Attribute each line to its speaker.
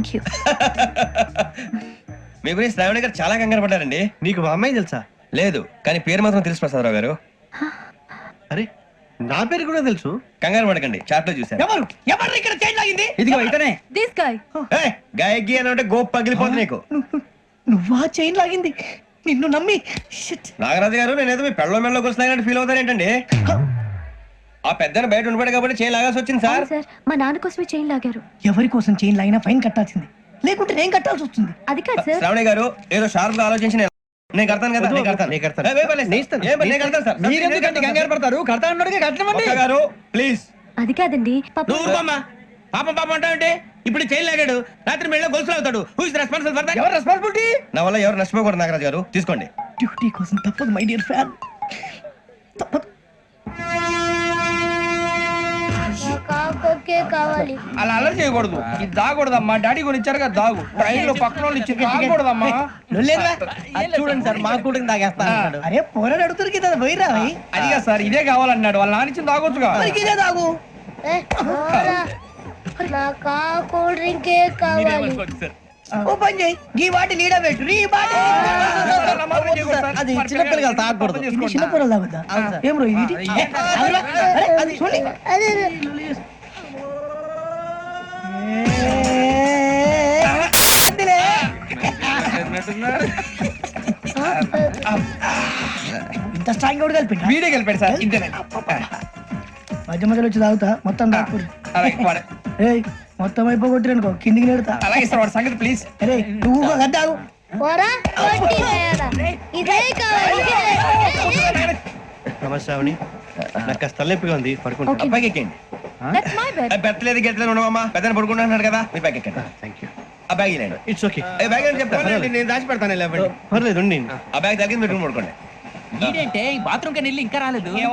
Speaker 1: Thank you.
Speaker 2: మీ గురించి శ్రావణి గారు చాలా కంగారు పడ్డారండి.
Speaker 3: నీకు మా అమ్మాయి తెలుసా?
Speaker 2: లేదు, కానీ పేరు మాత్రం తెలుసు ప్రసాదరావు గారు.
Speaker 3: అరే నా పేరు కూడా తెలుసు.
Speaker 2: కంగారు పడకండి, చాట్ లో చూసాను.
Speaker 3: ఎవరు ఎవరు ఇక్కడ చైన్ లాగింది?
Speaker 2: ఇదిగో ఇతనే.
Speaker 1: This guy.
Speaker 2: గాయకి అని అంటే గోప్ పగిలిపోతుంది నీకు.
Speaker 3: నువ్వా చైన్ లాగింది? నిన్ను నమ్మి
Speaker 2: నాగరాజు గారు నేనేదో మీ పెళ్ళ మెళ్ళలో కూర్చున్నాయంటే ఫీల్ అవుతారేంటండి? ఆ పెద్దని బయట ఉండిపోయాడు కాబట్టి చైన్ లాగాల్సి వచ్చింది సార్.
Speaker 1: సార్ మా నాన్న కోసమే చైన్ లాగారు.
Speaker 3: ఎవరి కోసం చైన్ లాగినా ఫైన్ కట్టాల్సింది, లేకుంటే నేను కట్టాల్సి వస్తుంది.
Speaker 1: అది కాదు సార్.
Speaker 2: శ్రావణి గారు ఏదో షార్ప్ గా ఆలోచించి నేను కడతాను కదా. నేను కడతాను. నేను కడతాను సార్.
Speaker 3: మీరెందుకంటే కంగారు పడతారు? కడతా అన్నాడుగా కట్టమండి.
Speaker 2: ఒక్క గారు ప్లీజ్.
Speaker 1: అది కాదండి
Speaker 4: పాపం పాపం అంటావంటే ఇప్పుడు చైన్ లాగాడు, రాత్రి మెళ్ళ గొలుసులు అవుతాడు. Who is responsible for that?
Speaker 3: ఎవరు రెస్పాన్సిబిలిటీ?
Speaker 2: నా వల్ల ఎవరు నష్టపోకూడదు నాగరాజు గారు, తీసుకోండి.
Speaker 3: డ్యూటీ కోసం తప్పదు మై డియర్ ఫ్యాన్, తప్పదు.
Speaker 5: కావాలి.
Speaker 4: అలా అల్లరి చేయకూడదు. ఇది దాగకూడదమ్మా. డాడీ కొని ఇచ్చారు కదా దాగు. ట్రైన్ లో పక్కన వాళ్ళు ఇచ్చి దాగకూడదమ్మా.
Speaker 3: చూడండి సార్, మా కూడా తాగేస్తా. అరే పోరాడు అడుగుతారు కదా, పోయిరా.
Speaker 4: అదిగా సార్, ఇదే కావాలన్నాడు. వాళ్ళ నాన్న ఇచ్చింది తాగొచ్చుగా.
Speaker 3: ఇదే తాగు.
Speaker 5: నాకు కూల్ డ్రింకే కావాలి.
Speaker 3: ఓ పని చేయి, ఈ వాటి లీడ పెట్టు. ఈ వాటి అది చిన్నపిల్లలు తాగకూడదు. చిన్నపిల్లలు తాగుతా. ఏం రో ఇది? అది చూడండి.
Speaker 5: అదే
Speaker 3: ఇంత స్ట్రాంగ్ కూడా కలిపి
Speaker 4: వీడే గెలిపాడు సార్. ఇంతేనే.
Speaker 3: మధ్య మధ్యలో వచ్చి తాగుతా, మొత్తం తాగుతారు.
Speaker 4: అలాగే వాడు-
Speaker 3: ఏయ్ మొత్తం అయిపోగొట్టిరనుకో కిందికి నేడుతా.
Speaker 4: అలాగే సార్ వాడి సంగతి ప్లీజ్.
Speaker 3: అరే నువ్వు గద్ద తాగు.
Speaker 5: పోరా కొట్టి నేడా. ఇదే కావాలి.
Speaker 3: నమస్కారం, నాకు కాస్త తలెప్పిగా ఉంది, పడుకుంటా.
Speaker 1: Okay.
Speaker 2: పైకి ఎక్కండి.
Speaker 1: That's my bed.
Speaker 2: పెట్టలేదు గెట్టలేదు ఉండవమ్మా. పెద్దని పడుకుంటున్నాడు కదా, మీరు బ్యాగ్ ఎక్కండి.
Speaker 3: Thank you.
Speaker 2: ఆ బ్యాగ్ ఇలాండి.
Speaker 3: It's okay.
Speaker 2: బ్యాగ్ అని చెప్తాను.
Speaker 4: నేను దాచి పెడతాను.
Speaker 3: పర్లేదు ఉండి.
Speaker 2: ఆ బ్యాగ్ తగ్గింది మీరు పడుకోండి.
Speaker 4: బాత్రూమ్ కి వెళ్ళి ఇంకా రాలేదు.